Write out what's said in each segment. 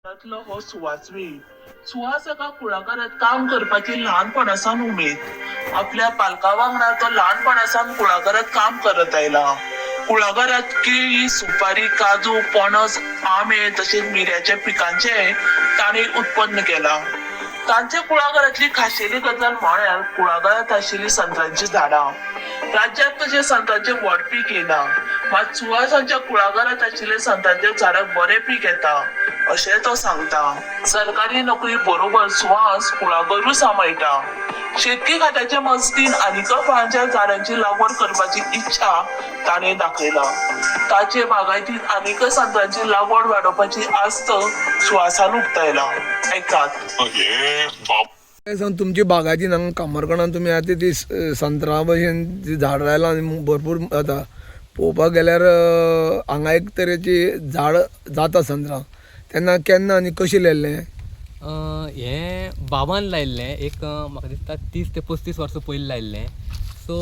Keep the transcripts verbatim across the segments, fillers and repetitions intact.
त्यातलो हो सुवासवी सुहास एका कुळागरात काम करपाची ल्हानपणासान उमेद. आपल्या पालका वांगडा तो ल्हानपणासान कुळागरात काम करत आयला. कुळागरात केळी, सुपारी, काजू, पणस, आंबे तसेच मिऱ्याच्या पिकांचे ताणे उत्पन्न केला. तांच्या कुळागरातली खाशेली गजाल म्हळ्यार कुळागरात आशिल्ली संत्रांची झाडां. राज्यात तशें संत्रांचे व्हड पीक येना, मात सुहासांच्या कुळागरात आशिल्ले संत्रांच्या झाडाक बरें पीक येता अशें तो सांगता. सरकारी नोकरी बरोबर सुहास कुळागरूय सांबाळटा. शेतकी खात्याच्या मजतीन आनीक फळांच्या झाडांची लागवड करपाची इच्छा ताणें दाखयला. ताचे बागायतीत आनीक संत्रांची लागवड वाडोवपाची आस्त सुहासान उक्तायला. ऐकात. काय सांग तुमची बागायती हांगा कामरकणान तुमी आतां ती संत्रा भशेन ती झाड लायला आनी भरपूर जाता. पळोवपाक गेल्यार हांगा एक तरेची झाड जाता संत्रां, तेन्ना केन्ना आनी कशें लायल्लें? हें बाबान लायिल्लें एक म्हाका दिसता तीस ते पस्तीस वर्सां पयलीं लायिल्लें. सो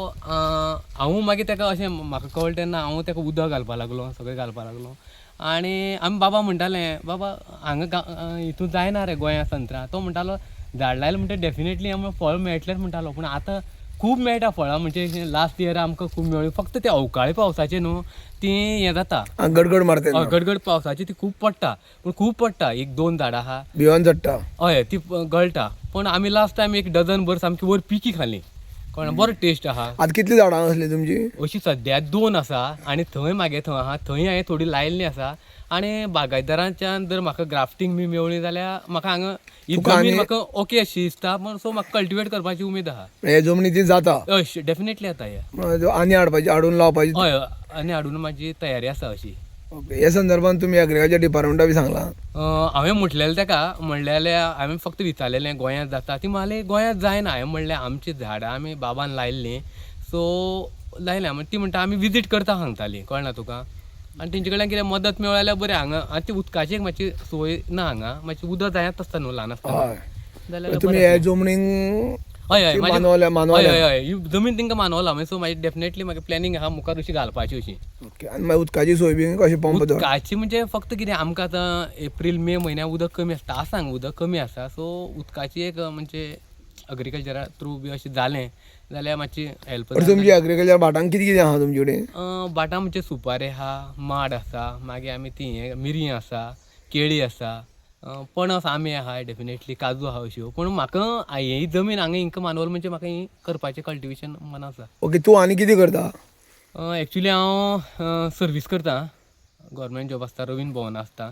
हांव मागीर ताका अशें म्हाका कळ्ळें तेन्ना हांव ताका उदक घालपाक लागलो, सगळें घालपाक लागलो. आनी आमी बाबा म्हणटालें बाबा हांगा हितून जायना रे गोंया संत्रां. तो म्हणटालो झाड लायलें म्हणटा डेफिनेटली आमकां फळ मेळटलेंच म्हणटालो. पूण आतां खूब मेळटा फळां, म्हणजे लास्ट इयर आमकां खूब मेळ्ळी. फक्त ते अवकाळी पावसाचें न्हू ती हें जाता, गडगड मारता, गडगड पावसाची ती खूब पडटा. पूण खूब पडटा, एक दोन झाडां आहा भिवन चडटा. हय ती गळटा. पूण आमी लास्ट टायम एक डझन भर सामकी वर पिकी खाली, कळ्ळें, बरो टेस्ट आहा. आतां कितलीं झाडां आसली तुमची? अशी सद्या दोन आसा आनी थंय मागे थंय आहा, थंय हांवें थोडी लायिल्लीं आसा. आनी बागायतदारांच्यान जर म्हाका ग्राफ्टींग बी मेवळी जाल्यार म्हाका हांगा ही जमीन म्हाका ओके अशी दिसता. पूण सो म्हाका कल्टिवेट करपाची उमेद आहा. हे जमनी ती जाता? हय डेफिनेटली जाता हे. आनी हाडपाची, हाडून लावपाची? हय आनी हाडून म्हाजी तयारी आसा अशी. ओके. ह्या संदर्भान तुमी एग्रिकल्चर डिपार्टमेंटा बी सांगलां? हांवें म्हटलेलें ताका, म्हणलेलें हांवें फक्त विचारलेलें गोंयांत जाता. ती म्हणली गोंयांत जायना. हांवें म्हणलें आमची झाडां आमी बाबान लायिल्लीं, सो लायल्या. ती म्हणटा आमी विजीट करता सांगताली, कळना तुका. आनी तेंचे कडल्यान कितें मदत मेळ्ळी जाल्यार बरें. हांगा आनी ती उदकाची मातशी सोय ना हांगा, मातशी उदक जायत आसता न्हू ल्हान आसतना जाल्यार. तुमी हे जमनीक हय हय मानवल्या? हय हय हय ही जमीन तांकां मानवला. मागीर सो म्हाजी डेफिनेटली म्हाका प्लॅनिंग आहा मुखार अशी घालपाची अशी. ओके. आनी मागीर उदकाची सोय बी कशी? पंप? उदकाची म्हणजे फक्त कितें आमकां आतां एप्रील मे म्हयन्याक उदक कमी आसता, आसा हांगा उदक कमी आसा. सो उदकाची एक म्हणजे एग्रिकल्चरा थ्रू बी अशें जालें जाल्यार मातशी हेल्प. तुमची एग्रिकल्चर भाटांक कितें कितें आहा तुमचे कडेन? भाटां म्हणजे सुपारी आहा, माड आसा, मागीर आमी ती हें मिरी आसा, केळी आसा, पणस, आंबे आहा, डेफिनेटली काजू आहा अश्यो. पूण म्हाका ही जमीन हांगा हिंका मानवल म्हणजे म्हाका ही करपाचें कल्टिवेशन मन आसा. ओके. तूं आनी कितें करता? एक्चुली हांव सर्वीस करता, गव्हर्मेंट जॉब आसता, रवीन भवन आसता.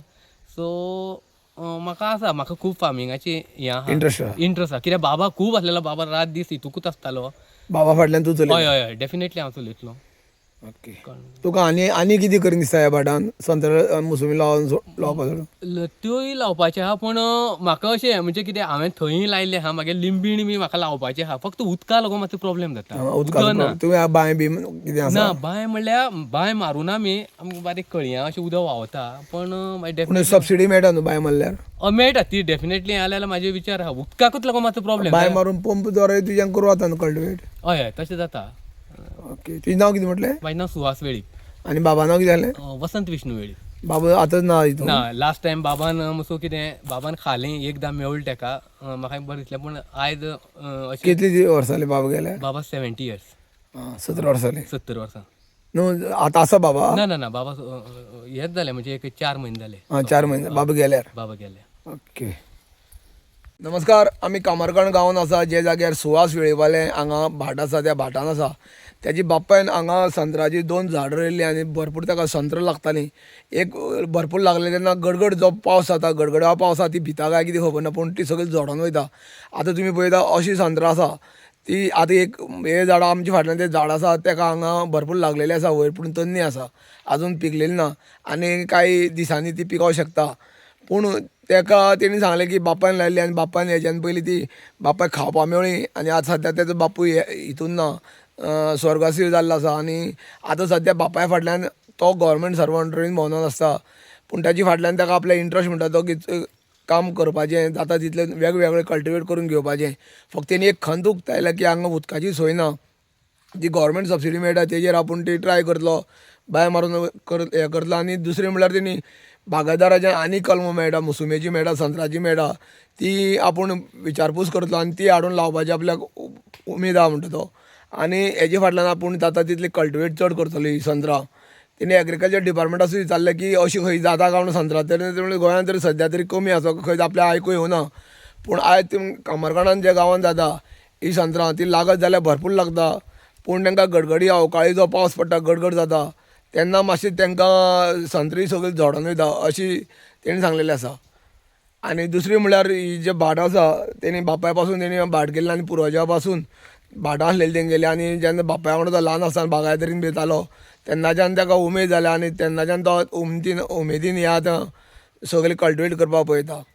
सो म्हाका आसा, म्हाका खूब फार्मिंगाची हें आहा, इंट्रस्ट आहा? इंट्रस्ट आहा. कित्याक बाबा खूब आसलेलो, बाबा रात दीस हितूकूच आसतालो. बाबा फाटल्यान तूं चलयता? हय हय हय डेफिनेटली हांव चलयतलो. ओके. तुका आनी आनी कितें करून दिसता ह्या भाटान? संत्र मोसंबी लावन लावपाक सोडून? त्योय लावपाचे आहा, पूण म्हाका अशें म्हणजे कितें हांवें थंय लायिल्लें आहा. मागीर लिंबीण बी म्हाका लावपाचें आहा. फक्त उदका लागून मातसो प्रॉब्लेम जाता. उदक ना. तुमी बांय बी कितें आसा? ना बांय म्हणल्यार बांय मारून आमी आमकां बारीक कळयां अशें उदक व्हांवता. पण मागीर डेफिनेटली सबसिडी मेळटा न्हू बांय मारल्यार? मेळटा ती डेफिनेटली. जाल्यार म्हाजे विचार आहा. उदकाकूच लागून मातसो प्रॉब्लेम. बांय मारून पंप द्वारे तुज्यान करूं जाता न्हू कल्टिवेट? हय हय तशें जाता. ओके. तुजें नांव कितें म्हटलें? म्हाजें नांव सुहास वेळीप. आनी बाबा नांव कितें जालें? वसंत विष्णू वेळीप. बाबा आतां ना हितून? ना लास्ट टायम बाबान मसो कितें बाबान खालें एकदां मेवलें ताका, म्हाका बरें दिसलें. पूण आयज अशें. कितली वर्सां जालीं बाबा गेल्या? बाबा सेव्हन्टी इयर्स. सतरा वर्सां जालीं? सत्तर वर्सां. न्हू आतां आसा बाबा? ना ना ना बाबा हेच जालें म्हणजे एक चार म्हयने जाले. हां चार म्हयने बाबा गेल्यार? बाबा गेले. ओके. नमस्कार. आमी कामरकण गांवांत आसा, जे जाग्यार सुहास वेळीवाले हांगा भाट आसा त्या भाटान आसा. त्याची बापायन हांगा संत्राची दोन झाडां रोयल्लीं आनी भरपूर ताका संत्रां लागतालीं. एक भरपूर लागले तेन्ना गडगड जो पावस जाता, गडगडा पावसा ती भिता काय कितें खबर ना, पूण ती सगळी झोडोन वयता. आतां तुमी पळयता अशीं संत्रां आसा ती. आतां एक हे झाडां आमच्या फाटल्यान तें झाड आसा ताका हांगा भरपूर लागलेलें आसा वयर, पूण तन्नी आसा, आजून पिकलेली ना आनी कांय दिसांनी ती पिकोवंक शकता. पूण ताका तेणी सांगलें की बापायन लायिल्ली आनी बापायन हेज्यान पयलीं ती बापायक खावपा मेळ्ळी. आनी आतां सद्या तेजो बापूय हितून ना, स्वर्गसीय जाल्लो आसा. आनी आतां सद्या बापाय फाटल्यान तो गव्हर्मेंट सर्वंट रवीन भवनान आसता. पूण ताचे फाटल्यान ताका आपले इंट्रस्ट म्हणटा तो की काम करपाचें, जाता तितलें वेगवेगळें कल्टिवेट करून घेवपाचें. फक्त तेणी एक खंत उक्तायला की हांगा उदकाची सोय ना, जी गव्हर्मेंट सबसिडी मेळटा तेजेर आपूण ती ट्राय करतलो, बांय मारून कर हें करतलो. आनी दुसरें म्हणल्यार तेणी बागायदाराच्या आनी कलमां मेळटा, मोसुंबेची मेळटा, संत्राची मेळटा, ती आपूण विचारपूस करतलो आनी ती हाडून लावपाची आपल्याक उ- उमेद आहा म्हणटा तो. आनी हेजे फाटल्यान आपूण जाता तितली कल्टिवेट चड करतली संत्रां. तेणी एग्रीकल्चर डिपार्टमेंटासूय विचारलें की अशी खंय जाता काय म्हणून संत्रां, तरी गोंयांत तरी सद्या तरी कमी आसा, खंय आपल्या आयकूं येवना. पूण आयज ती कामरगाणान जे गांवांत जाता ही संत्रां ती लागत जाल्यार भरपूर लागता. पूण तांकां गडगडी अवकाळी जो पावस पडटा गडगड जाता तेन्ना मातशी तांकां संत्री सगळी झोडोन वयता अशी तेणी सांगलेलें आसा. आनी दुसरी म्हणल्यार ही जे भाट आसा तेणी बापाय पासून तेणी भाट केल्ले आनी पुर्वजा पासून भाटां आसलेली तेंगेली. आनी जेन्ना बापाय वांगडा तो ल्हान आसतना बागायदारीन बी येतालो तेन्नाच्यान ताका उमेद जाल्या आनी तेन्नाच्यान तो उमेदीन उमेदीन हे आतां सगळें कल्टिवेट करपाक पळयता.